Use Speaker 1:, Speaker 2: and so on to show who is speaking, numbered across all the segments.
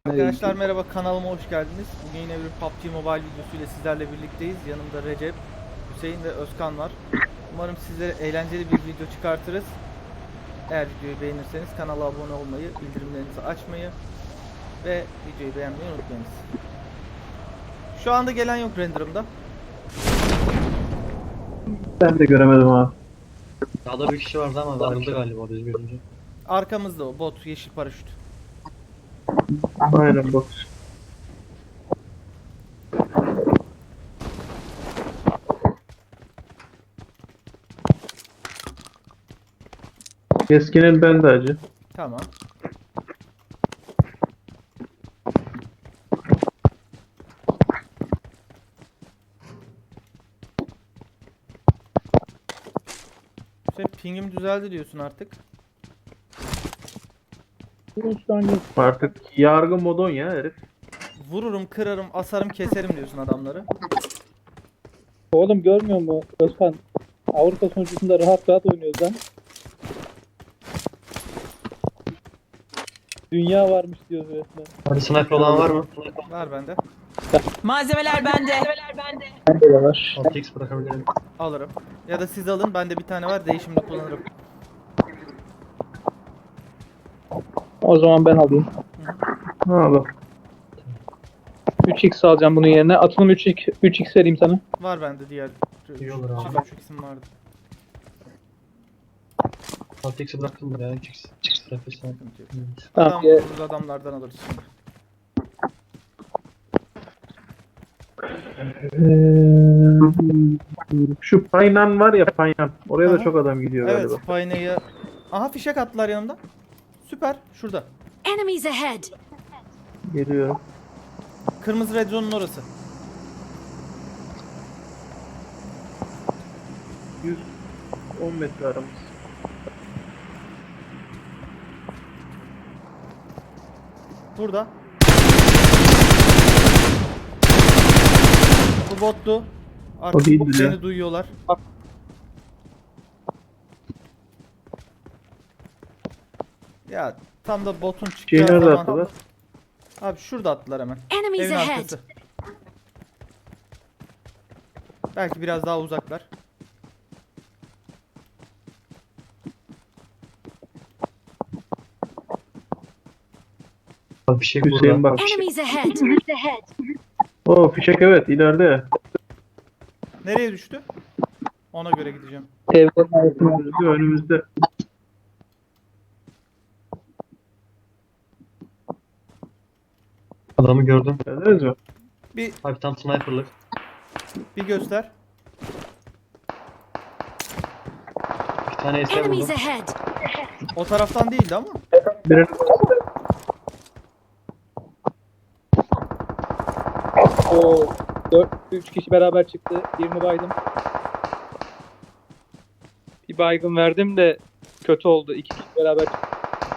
Speaker 1: Arkadaşlar merhaba, kanalıma hoş geldiniz. Bugün yine bir PUBG Mobile videosuyla sizlerle birlikteyiz. Yanımda Recep, Hüseyin ve Özkan var. Umarım sizlere eğlenceli bir video çıkartırız. Eğer videoyu beğenirseniz kanala abone olmayı, bildirimlerinizi açmayı ve videoyu beğenmeyi unutmayınız. Şu anda gelen yok renderımda.
Speaker 2: Ben de göremedim abi.
Speaker 3: Sağda bir kişi vardı ama ayrıldı galiba düz görünce.
Speaker 1: Arkamızda o bot, yeşil paraşüt.
Speaker 2: Aynen bak. Keskinin bende acı.
Speaker 1: Tamam. Sen pingim düzeldi diyorsun artık.
Speaker 2: Artık yargı modon ya herif.
Speaker 1: Vururum, kırarım, asarım, keserim diyorsun adamları.
Speaker 4: Oğlum görmüyor musun Özkan? Avrupa sonucunda rahat rahat oynuyoruz lan. Dünya varmış diyoruz resmen.
Speaker 3: Hadi sniper olan var mı?
Speaker 1: Var bende.
Speaker 5: Malzemeler bende.
Speaker 4: Bende de var.
Speaker 3: 6x bırakabilirim.
Speaker 1: Alırım. Ya da siz alın, bende bir tane var, değişimde kullanırım.
Speaker 4: O zaman ben alayım.
Speaker 2: Ha bak.
Speaker 4: 3x alacağım bunun yerine. Atılım 3x vereyim sana.
Speaker 1: Var bende diğer.
Speaker 3: İyi olur abi.
Speaker 1: Çift uç isim vardı.
Speaker 3: 6x'i bıraktım buraya. 3x. Bırakırsan.
Speaker 1: Sıkıntı yok.
Speaker 4: Tamam.
Speaker 1: Adam vururuz, adamlardan alırız şimdi.
Speaker 2: Şu Paynan var ya, Paynan. Oraya da
Speaker 1: Aha.
Speaker 2: çok adam gidiyor
Speaker 1: Evet,
Speaker 2: galiba.
Speaker 1: Payna'yı... Aha, fişek attılar yanımda. Süper, şurada.
Speaker 5: Enemies ahead.
Speaker 2: Geliyor.
Speaker 1: Kırmızı red zone'un orası.
Speaker 2: 110 metre aramız.
Speaker 1: Burada. Bu bottu. Artık
Speaker 2: O değildir ya.
Speaker 1: beni duyuyorlar. Ya tam da botun çıkacağı
Speaker 2: Şeyi nerede
Speaker 1: zaman...
Speaker 2: attılar?
Speaker 1: Abi şurada attılar hemen.
Speaker 5: Enemies
Speaker 1: Evin
Speaker 5: ahead.
Speaker 1: arkası. Belki biraz daha uzaklar.
Speaker 3: Abi bir şey
Speaker 2: Hüseyin
Speaker 3: burada.
Speaker 2: bak.
Speaker 5: Enemies ahead.
Speaker 2: O fişek evet ileride.
Speaker 1: Nereye düştü? Ona göre gideceğim.
Speaker 4: Evlerin arasında.
Speaker 2: Önümüzde.
Speaker 3: Adamı gördüm.
Speaker 2: Gördünüz mü?
Speaker 1: Bir
Speaker 3: Abi tam sniperlık.
Speaker 1: göster.
Speaker 3: Bir tane eser
Speaker 5: Enemies
Speaker 3: buldum.
Speaker 5: ahead.
Speaker 1: O taraftan değildi ama.
Speaker 2: Birini
Speaker 4: O 3 kişi beraber çıktı. Birini baydım. Bir baygın verdim de kötü oldu. 2 kişi beraber çıktı.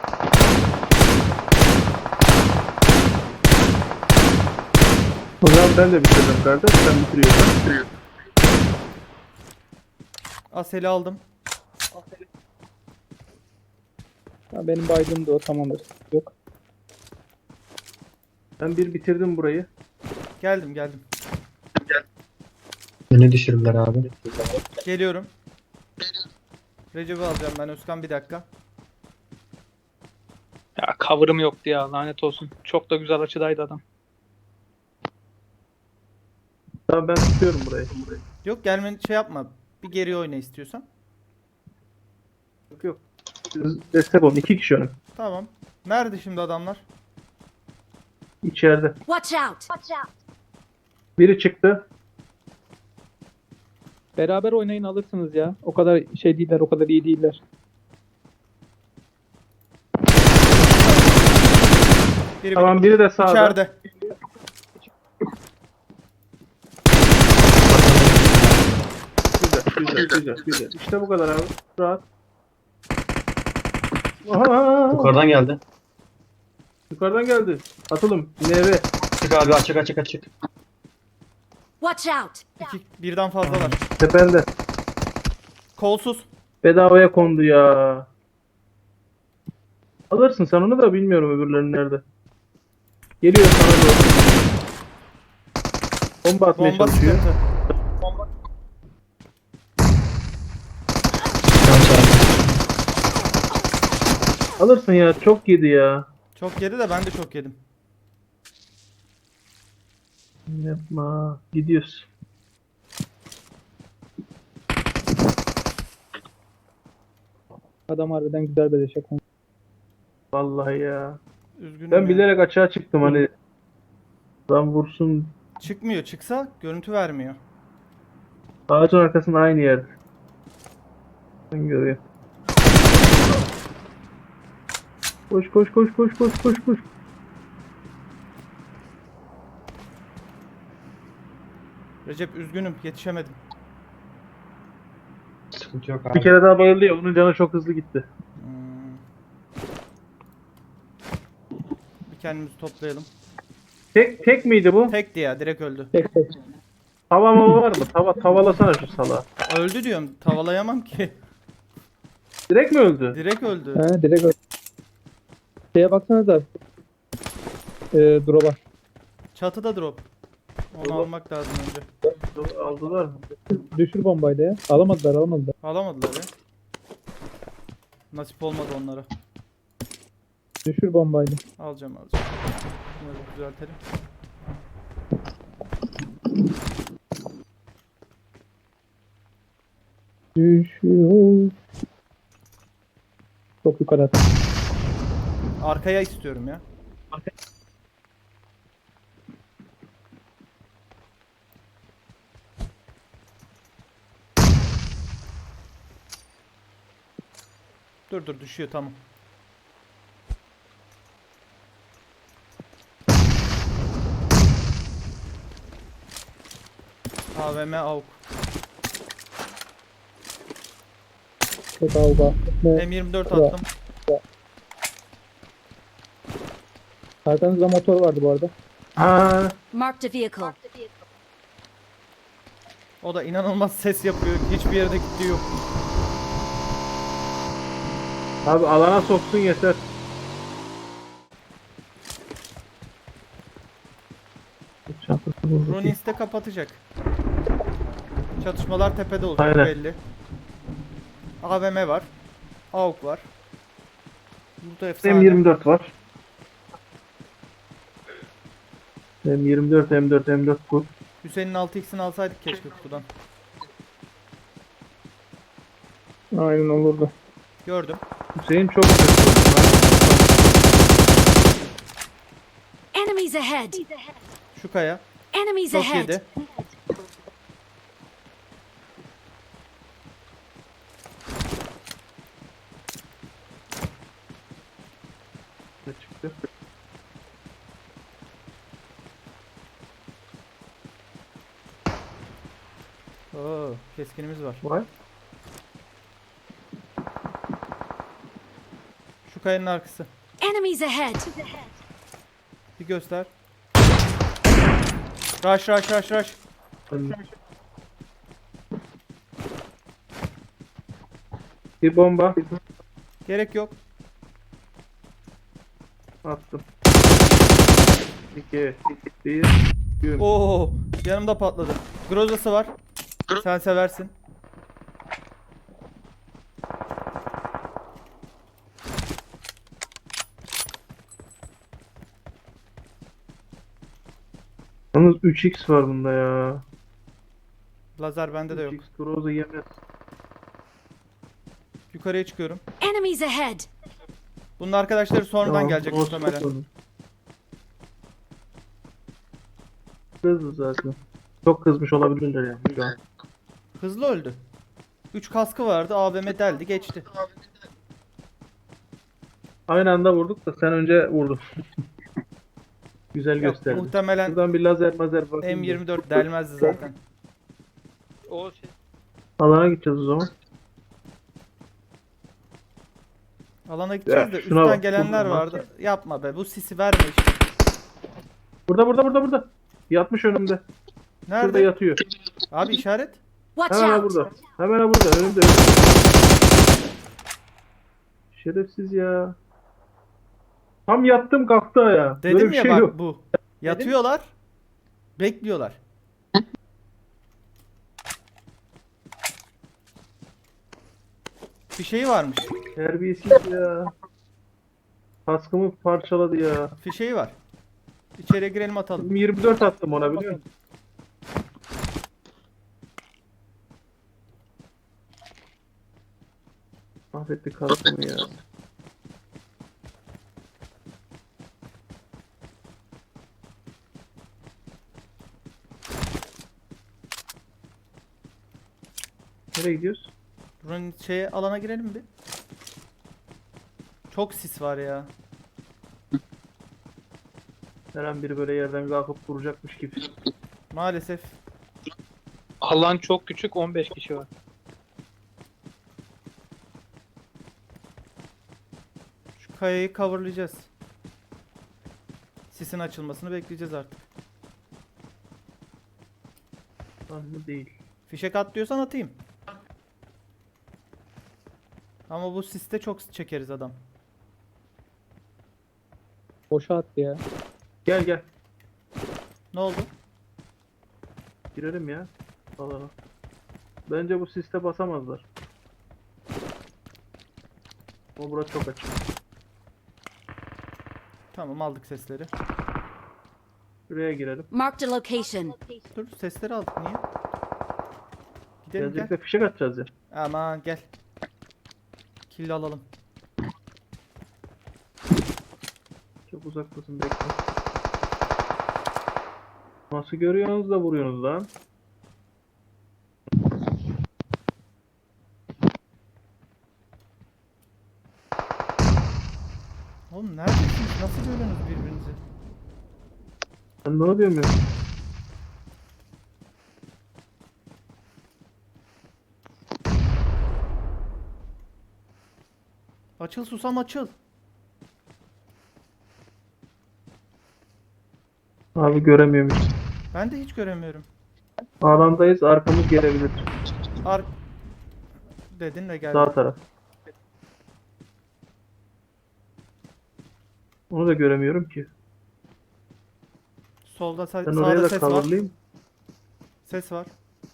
Speaker 2: O zaman ben de bitirdim kardeş. Sen bitiriyorsan.
Speaker 1: Asel'i aldım.
Speaker 4: Ha, benim baygım da o, tamamdır. Yok.
Speaker 2: Ben bir bitirdim burayı.
Speaker 1: Geldim.
Speaker 3: Beni düşürdüler abi.
Speaker 1: Geliyorum. Recep'i alacağım ben, Özkan, bir dakika.
Speaker 4: Ya cover'ım yoktu ya, lanet olsun. Çok da güzel açıdaydı adam.
Speaker 2: Tamam ben tutuyorum burayı.
Speaker 1: Yok, gelmeni şey yapma. Bir geri oyna istiyorsan.
Speaker 2: Yok yok. Siz destek olun. 2 kişi önüm.
Speaker 1: Tamam. Nerede şimdi adamlar?
Speaker 2: İçeride.
Speaker 5: Watch out.
Speaker 2: Biri çıktı.
Speaker 4: Beraber oynayın, alırsınız ya. O kadar şey değiller, o kadar iyi değiller.
Speaker 1: Biri
Speaker 2: Tamam biri de sağda.
Speaker 1: içeride.
Speaker 2: Güzel. İşte bu kadar abi. Rahat. Aha,
Speaker 3: Yukarıdan geldi.
Speaker 2: yukarıdan geldi. Atılım. NV.
Speaker 3: Çık abi açık.
Speaker 5: Watch out.
Speaker 1: Birden fazlalar.
Speaker 2: Tepende.
Speaker 1: Kolsuz.
Speaker 2: Bedavaya kondu ya. Alırsın sen onu da, bilmiyorum öbürlerinin nerede. Geliyor sana doğru. Bomba atmaya
Speaker 1: Bomba
Speaker 2: çalışıyor.
Speaker 1: sıkıntı.
Speaker 3: Can çarptı.
Speaker 2: Alırsın ya, çok yedi ya.
Speaker 1: Çok yedi de ben de çok yedim.
Speaker 2: Yapma. Gidiyoruz.
Speaker 4: Adam harbiden güzel beleşe kondu.
Speaker 2: Vallahi ya.
Speaker 1: Üzgünüm
Speaker 2: Ben
Speaker 1: ya.
Speaker 2: bilerek açığa çıktım hani. Lan vursun.
Speaker 1: Çıkmıyor. Çıksa görüntü vermiyor.
Speaker 2: Ağacın arkasında aynı yerde. Ben görüyorum. Koş koş koş koş koş koş koş.
Speaker 1: Recep üzgünüm. Yetişemedim.
Speaker 3: Sıkıntı yok
Speaker 2: Bir
Speaker 3: abi.
Speaker 2: kere daha bayıldı ya, onun canı çok hızlı gitti.
Speaker 1: Hmm. Bir kendimizi toplayalım.
Speaker 2: Tek miydi bu?
Speaker 1: Tekti ya. Direkt öldü.
Speaker 4: Tek tek.
Speaker 2: Tava mava var mı? Tavalasana şu salağı.
Speaker 1: Öldü diyorum. Tavalayamam ki.
Speaker 2: Direkt mi öldü?
Speaker 1: Direkt öldü.
Speaker 4: He direkt öyle. Şeye baksanıza. Drop'a.
Speaker 1: Çatıda drop. Onu
Speaker 2: Drop.
Speaker 1: almak lazım önce.
Speaker 2: Aldılar mı?
Speaker 4: Düşür bombayla ya. Alamadılar.
Speaker 1: Alamadılar ya. Nasip olmadı onlara.
Speaker 4: Düşür bombayla.
Speaker 1: Alacağım. Bunları düzeltelim.
Speaker 4: Düşüyor. Çok yukarı at.
Speaker 1: Arkaya istiyorum ya. Dur düşüyor tamam. AVM AUK.
Speaker 4: Çok avga. Ne?
Speaker 1: M24 attım.
Speaker 4: Arkanızda motor vardı bu arada.
Speaker 2: Aa,
Speaker 5: Marked a vehicle.
Speaker 1: O da inanılmaz ses yapıyor. Hiçbir yerde gittiği yok.
Speaker 2: abi alana soksun yeter. Çantası bulduk.
Speaker 1: Runins de kapatacak. Çatışmalar tepede olacak
Speaker 2: Aynen.
Speaker 1: belli. AVM var. AUK var. Burada efsane.
Speaker 2: M24 var. M24 bu.
Speaker 1: Hüseyin'in 6x'ini alsaydık keşke kutudan.
Speaker 4: Aynen olurdu.
Speaker 1: Gördüm.
Speaker 2: Hüseyin çok kötü.
Speaker 5: Enemies ahead.
Speaker 1: Şu kaya.
Speaker 5: Enemies
Speaker 1: Çok
Speaker 5: ahead.
Speaker 1: yedi.
Speaker 2: Çıktı.
Speaker 1: Oo, keskinimiz var.
Speaker 2: Var.
Speaker 1: Şu kayanın arkası.
Speaker 5: Enemies ahead.
Speaker 1: Bir göster. Rush.
Speaker 2: Bir bomba
Speaker 1: Gerek yok.
Speaker 2: attım. 2 1 Güm.
Speaker 1: Oo, yanımda patladı. Grozası var. Sen seversin.
Speaker 2: Yalnız 3x var bunda ya.
Speaker 1: Lazer bende de yok.
Speaker 2: 3x Groza yemez.
Speaker 1: Yukarıya çıkıyorum.
Speaker 5: Enemies ahead.
Speaker 1: Bunun arkadaşları sonradan
Speaker 2: Tamam,
Speaker 1: gelecek
Speaker 2: Groza
Speaker 1: muhtemelen.
Speaker 2: çok hızlı zaten. Çok kızmış olabilirler yani şu an.
Speaker 1: Hızlı öldü. 3 kaskı vardı. AVM deldi geçti.
Speaker 2: Aynı anda vurduk da sen önce vurdun. Güzel
Speaker 1: Yok,
Speaker 2: gösterdi.
Speaker 1: muhtemelen
Speaker 2: Buradan bir lazer bakayım.
Speaker 1: M24 delmezdi zaten.
Speaker 2: Alana gideceğiz o zaman.
Speaker 1: Alana gideceğiz de
Speaker 2: Ya, şuna
Speaker 1: üstten
Speaker 2: bak,
Speaker 1: gelenler
Speaker 2: şuna bak.
Speaker 1: vardı. Yapma be bu sisi verme işte.
Speaker 2: Burada. Yatmış önümde. Şurada
Speaker 1: Nerede?
Speaker 2: yatıyor.
Speaker 1: Abi işaret.
Speaker 5: Watch
Speaker 2: Hemen ha
Speaker 5: out.
Speaker 2: burada. Hemen ha burada. Önümde. Şerefsiz ya. Tam yattım kalktı ya.
Speaker 1: Dedim
Speaker 2: Böyle bir
Speaker 1: ya
Speaker 2: şey
Speaker 1: bak
Speaker 2: yok.
Speaker 1: bu. Yatıyorlar. Bekliyorlar. Bir şey varmış.
Speaker 2: Terbiyesiz ya. Kaskımı parçaladı ya.
Speaker 1: Fişeği var. İçeriye girelim atalım.
Speaker 2: 24 attım ona biliyor musun? Mahvetti kaskımı ya. Nereye gidiyoruz?
Speaker 1: Buranın şeye alana girelim bir. Çok sis var ya.
Speaker 2: Her an biri böyle yerden kalkıp vuracakmış gibi.
Speaker 1: Maalesef.
Speaker 4: Alan çok küçük, 15 kişi var.
Speaker 1: Şu kayayı coverlayacağız. Sisin açılmasını bekleyeceğiz artık.
Speaker 2: Lan mı değil.
Speaker 1: Fişek at diyorsan atayım. Ama bu siste çok çekeriz adam.
Speaker 4: Boşa attı ya.
Speaker 2: Gel gel.
Speaker 1: Ne oldu?
Speaker 2: Girelim ya. Alana. Bence bu siste basamazlar. Ama burası çok açık.
Speaker 1: Tamam aldık sesleri.
Speaker 2: Şuraya girelim.
Speaker 5: Marked a location.
Speaker 1: Dur sesleri aldık niye? Gidelim
Speaker 2: Gelecek
Speaker 1: gel.
Speaker 2: de fişek atacağız ya.
Speaker 1: Aman gel. Kill alalım.
Speaker 2: Çok uzaktasın bekle. Nasıl görüyorsunuz da vuruyorsunuz lan?
Speaker 1: Oğlum neredesiniz? Nasıl görüyorsunuz birbirinizi?
Speaker 2: Ben ne oluyorum ya?
Speaker 1: Açıl susam açıl.
Speaker 2: Abi göremiyorum hiç.
Speaker 1: Ben de hiç göremiyorum.
Speaker 2: Alandayız arkamız gelebilir.
Speaker 1: Ar dedin ve geldi.
Speaker 2: Sağ taraf. Onu da göremiyorum ki.
Speaker 1: Solda
Speaker 2: Ben oraya
Speaker 1: sağda
Speaker 2: da
Speaker 1: ses var.
Speaker 2: coverlayayım.
Speaker 1: Ses var.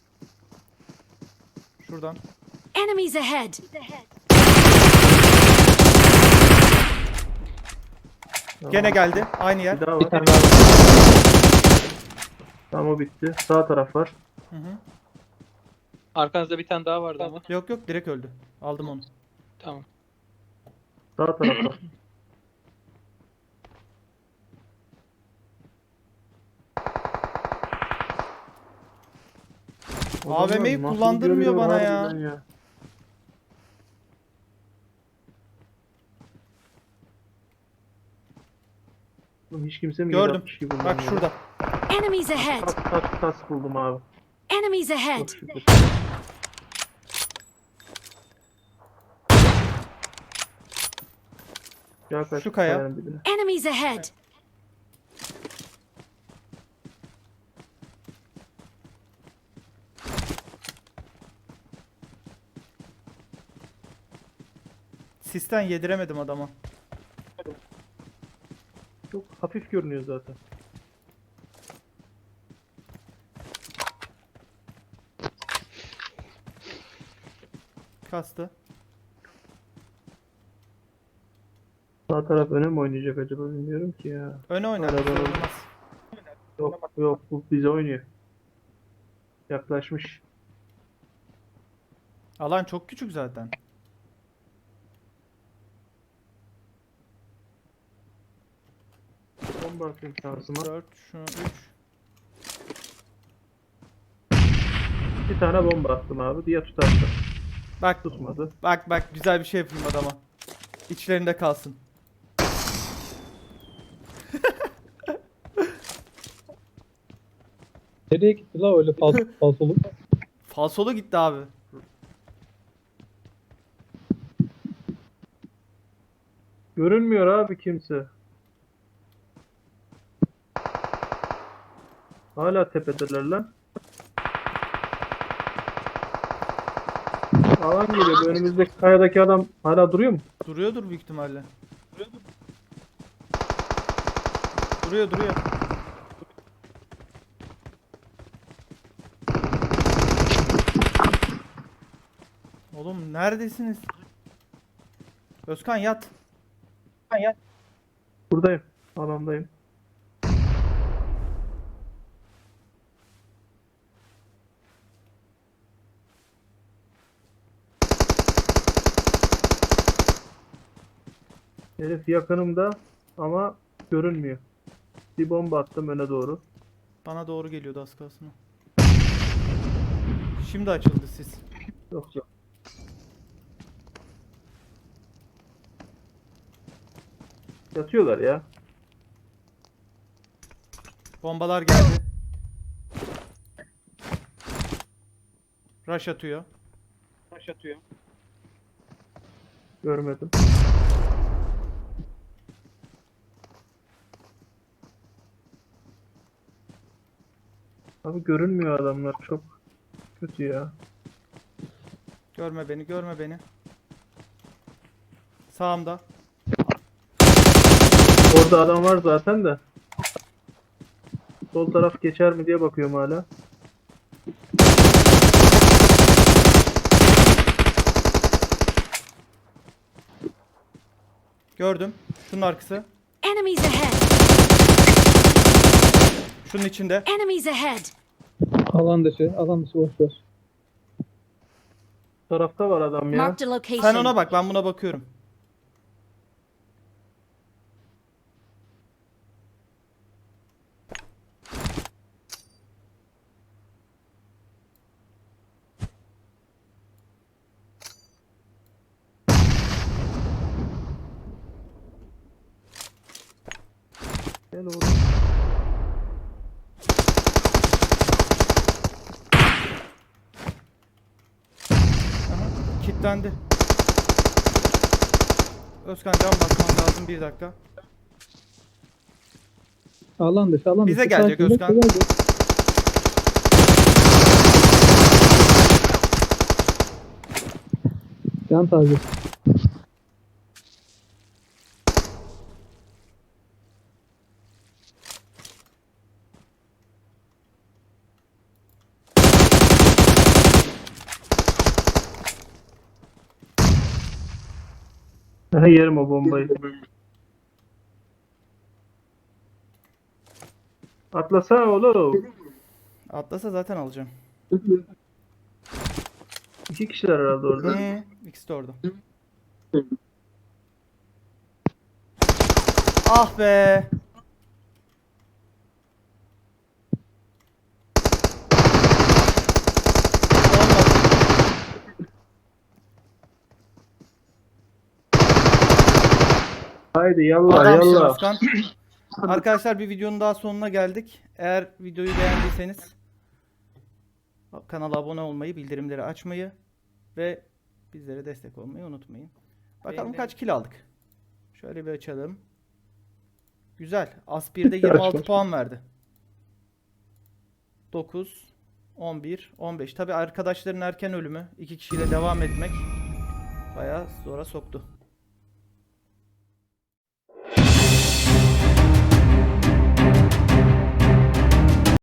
Speaker 1: Şuradan.
Speaker 5: Enemies ahead.
Speaker 1: Gene geldi. Aynı yer.
Speaker 2: Bir daha
Speaker 4: Bir
Speaker 2: var.
Speaker 4: tane daha var.
Speaker 2: Tamam o bitti. Sağ taraf var.
Speaker 1: Hı hı.
Speaker 4: Arkanızda bir tane daha vardı ama.
Speaker 1: Yok yok direkt öldü. Aldım onu.
Speaker 4: Tamam.
Speaker 2: Sağ taraf var.
Speaker 1: AVM'yi
Speaker 2: Adamlar nasıl
Speaker 1: kullandırmıyor
Speaker 2: görüyor
Speaker 1: bana ya.
Speaker 2: harbiden Oğlum hiç kimse mi
Speaker 1: Gördüm.
Speaker 2: yapmış gibi
Speaker 1: Bak
Speaker 2: kullanıyor?
Speaker 1: şurada.
Speaker 5: Enemies ahead.
Speaker 2: Tas buldum abi.
Speaker 5: Enemies ahead.
Speaker 2: Çok şükür. Gel kaç
Speaker 1: Şu kaya.
Speaker 2: kayanın dibine.
Speaker 5: Enemies ahead.
Speaker 1: Sisten yediremedim adama.
Speaker 2: Çok hafif görünüyor zaten.
Speaker 1: Kastı.
Speaker 2: Sağ taraf öne mi oynayacak acaba bilmiyorum ki ya.
Speaker 1: Öne oynar.
Speaker 2: Arada
Speaker 1: bir şey
Speaker 2: var.
Speaker 1: olmaz.
Speaker 2: Yok yok bu bize oynuyor. Yaklaşmış.
Speaker 1: Alan çok küçük zaten.
Speaker 2: Bomba atayım şansıma.
Speaker 1: 4 şunu 3.
Speaker 2: Bir tane bomba attım abi. Diye tutarsa.
Speaker 1: Bak
Speaker 2: Tutmadı.
Speaker 1: bak güzel bir şey yapayım adama. İçlerinde kalsın.
Speaker 4: Nereye gitti la öyle falsolu?
Speaker 1: Falsolu gitti abi.
Speaker 2: Görünmüyor abi kimse. Hala tepedeler lan. Alan geliyor. Bu önümüzdeki kayadaki adam hala duruyor mu?
Speaker 1: Duruyordur büyük ihtimalle. Duruyor duruyor. Oğlum neredesiniz? Özkan yat.
Speaker 2: Buradayım. Alandayım. Herif yakınımda ama görünmüyor. Bir bomba attım öne doğru.
Speaker 1: Bana doğru geliyordu az kalsın. Şimdi açıldı sis.
Speaker 2: Yok yok. Yatıyorlar ya.
Speaker 1: Bombalar geldi. Rush atıyor.
Speaker 2: Görmedim. Abi görünmüyor adamlar, çok kötü ya.
Speaker 1: Görme beni, görme beni. Sağımda.
Speaker 2: Orada adam var zaten de. Sol taraf geçer mi diye bakıyorum hala.
Speaker 1: Gördüm. Şunun arkası.
Speaker 5: Enemies ahead!
Speaker 1: Şunun içinde.
Speaker 5: Enemies ahead!
Speaker 4: Alan dışı boş ver.
Speaker 2: Bu tarafta var adam ya.
Speaker 5: Marked a location.
Speaker 1: Sen ona bak, ben buna bakıyorum.
Speaker 2: Gel oğlum.
Speaker 1: Aha, kilitlendi. Özkan can basman lazım, bir dakika.
Speaker 4: Alan dışı.
Speaker 1: Bize gelecek
Speaker 4: Sakin,
Speaker 1: Özkan.
Speaker 4: bekle, gelecek. Can taze.
Speaker 2: Yerim o bombayı. Atlasana oğlum.
Speaker 1: Atlasa zaten alacağım.
Speaker 2: İki kişiler herhalde orada.
Speaker 1: Hı, ikisi de orada. Ah be. Olmadı.
Speaker 2: Haydi yallah
Speaker 1: Adamsın
Speaker 2: yallah.
Speaker 1: Özkan. Arkadaşlar bir videonun daha sonuna geldik. Eğer videoyu beğendiyseniz kanala abone olmayı, bildirimleri açmayı ve bizlere destek olmayı unutmayın. Bakalım kaç kill aldık. Şöyle bir açalım. Güzel. Aspir'de 26 puan verdi. 9, 11, 15. Tabi arkadaşların erken ölümü, 2 kişiyle devam etmek bayağı zora soktu.